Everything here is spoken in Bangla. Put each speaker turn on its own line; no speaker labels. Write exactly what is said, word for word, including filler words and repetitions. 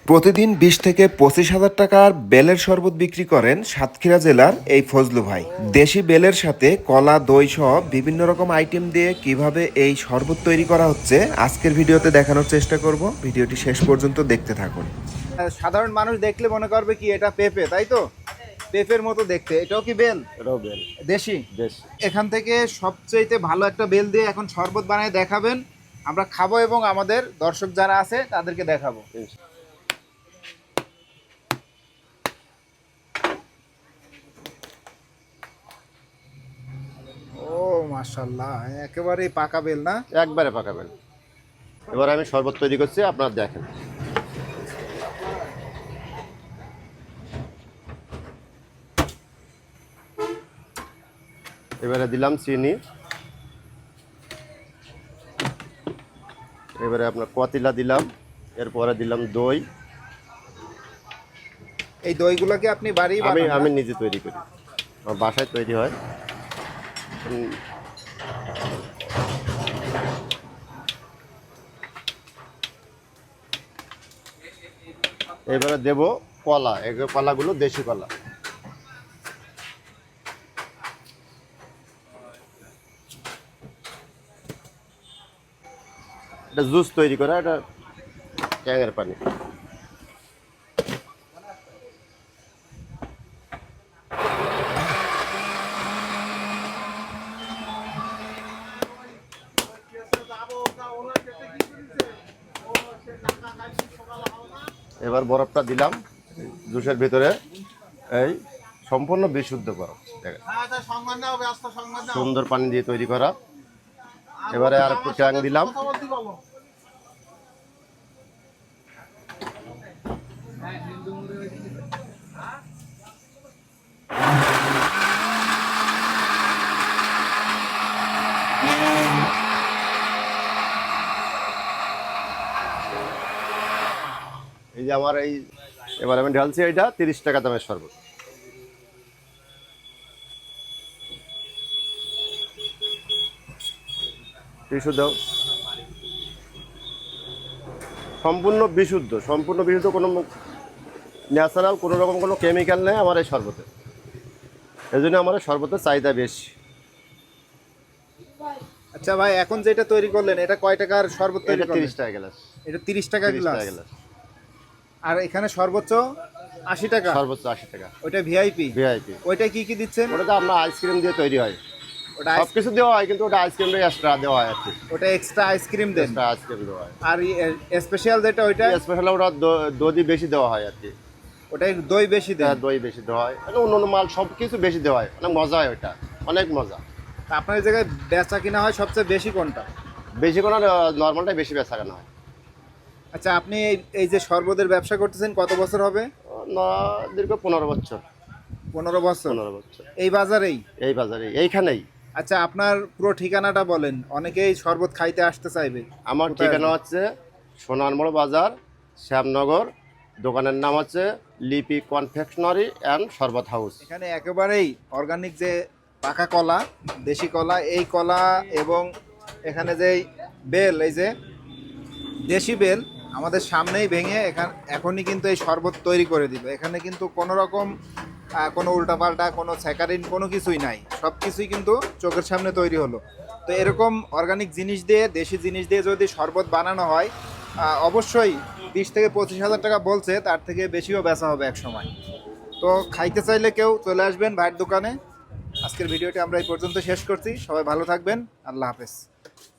প্রতিদিন বিশ থেকে পঁচিশ হাজার টাকার বেলের শরবত বিক্রি করেন সাতক্ষীরা জেলার এই ফজলু ভাই। দেশি বেলের সাথে কলা, দই সহ বিভিন্ন রকম আইটেম দিয়ে কিভাবে এই শরবত তৈরি করা হচ্ছে আজকের ভিডিওতে দেখানোর চেষ্টা করব। ভিডিওটি শেষ পর্যন্ত দেখতে থাকুন।
সাধারণ মানুষ দেখলে মনে করবে কি এটা পেঁপে, তাই তো? পেঁপের মতো দেখতে। এটাও কি বেল?
এটাও বেল।
দেশি
দেশি।
এখান থেকে সবচেয়ে ভালো একটা বেল দিয়ে এখন শরবত বানিয়ে দেখাবেন, আমরা খাবো এবং আমাদের দর্শক যারা আছে তাদেরকে দেখাবো। ও মাশাআল্লাহ, একেবারে পাকা বেল না?
একবারে পাকা বেল। এবার আমি শরবত তৈরি করছি, আপনারা দেখেন। এবারে দিলাম চিনি, এবারে আপনার কতিলা দিলাম, এরপরে দিলাম দই।
এই দইগুলোকে আপনি বাড়ি
আমি
বানান?
আমি নিজে তৈরি করি, আমার বাসায় তৈরি হয়। উম, এবারে দেব কলা, এই কলাগুলো দেশি কলা। এটা জুস তৈরি করা, এটা ট্যাঙের পানি। এবার বরফটা দিলাম জুসের ভিতরে, এই সম্পূর্ণ বিশুদ্ধ বরফ, দেখেন সুন্দর পানি দিয়ে তৈরি করা। এবারে আর একটু ট্যাং দিলাম। এই যে আমার এই এবার আমি ঢালছি, এইটা তিরিশ টাকা দামের শরবত। টিস্যু দাও। সম্পূর্ণ বিশুদ্ধ, সম্পূর্ণ বিশুদ্ধ, কোনো ন্যাচারাল কোনো রকম কোনো কেমিক্যাল নেই আমার এই শরবতে। এই জন্য আমার এই শরবতের চাহিদা বেশি।
আচ্ছা ভাই, এখন যেটা তৈরি করলেন এটা কয় টাকার শরবত তৈরি
এটা
করলেন?
তিরিশ টাকা গ্লাস।
এটা তিরিশ টাকা
তিরিশ
গ্লাস।
টাকা গ্লাস।
আর এখানে সর্বোচ্চ আশি টাকা।
সর্বোচ্চ আশি টাকা।
ওটা ভিআইপি।
ভিআইপি।
ওইটা কি কি দিচ্ছেন?
ওটা তো আপনার আইসক্রিম দিয়ে তৈরি হয়।
ওটা
সব কিছু দেওয়া হয়, কিন্তু ওটা আইসক্রিমটা এক্সট্রা দেওয়া হয় আর কি।
ওটা এক্সট্রা আইসক্রিম দেন?
এক্সট্রা আইসক্রিম দেওয়া হয়।
আর স্পেশাল যেটা ওইটা?
স্পেশাল ওটা দ- দই বেশি দেওয়া হয় আর কি।
ওটাই দই বেশি দেন?
হ্যাঁ, দই বেশি দেওয়া হয়, মানে অন্য অন্য মাল সব কিছু বেশি দেওয়া হয়, অনেক মজা হয় ওটা, অনেক মজা।
তা আপনার এই জায়গায় বেচা কিনা হয় সবচেয়ে বেশি কোনটা?
বেশি কোনো নর্মালটাই বেশি বেচা কেনা হয়।
আচ্ছা, আপনি এই এই যে শরবতের ব্যবসা করতেছেন কত বছর হবে?
না, দীর্ঘ পনেরো বছর।
পনেরো বছর?
পনেরো বছর
এই বাজারেই?
এই বাজারে, এইখানেই।
আচ্ছা, আপনার পুরো ঠিকানাটা বলেন, অনেকেই শরবত খাইতে আসতে চাইবে।
আমার
কোথায়
ঠিকানা
আসবে?
হচ্ছে সোনারমোড় বাজার, শ্যামনগর। দোকানের নাম হচ্ছে লিপি কনফেকশনারি অ্যান্ড শরবত হাউস।
এখানে একেবারেই অর্গানিক যে পাকা কলা, দেশি কলা, এই কলা এবং এখানে যেই বেল, এই যে দেশি বেল আমাদের সামনেই ভেঙে এখান এখনই কিন্তু এই শরবত তৈরি করে দিল। এখানে কিন্তু কোনো রকম আহ, কোনো উল্টাপাল্টা কোনো স্যাকারিন কোনো কিছুই নাই, সব কিছুই কিন্তু চোখের সামনে তৈরি হলো। তো এরকম অর্গানিক জিনিস দিয়ে, দেশি জিনিস দিয়ে যদি শরবত বানানো হয়, আহ, অবশ্যই বিশ থেকে পঁচিশ হাজার টাকা বলছে, তার থেকে বেশিও বেচা হবে এক সময়। তো খাইতে চাইলে কেউ চলে আসবেন ভাইয়ের দোকানে। আজকের ভিডিওটি আমরা এই পর্যন্ত শেষ করছি। সবাই ভালো থাকবেন। আল্লাহ হাফেজ।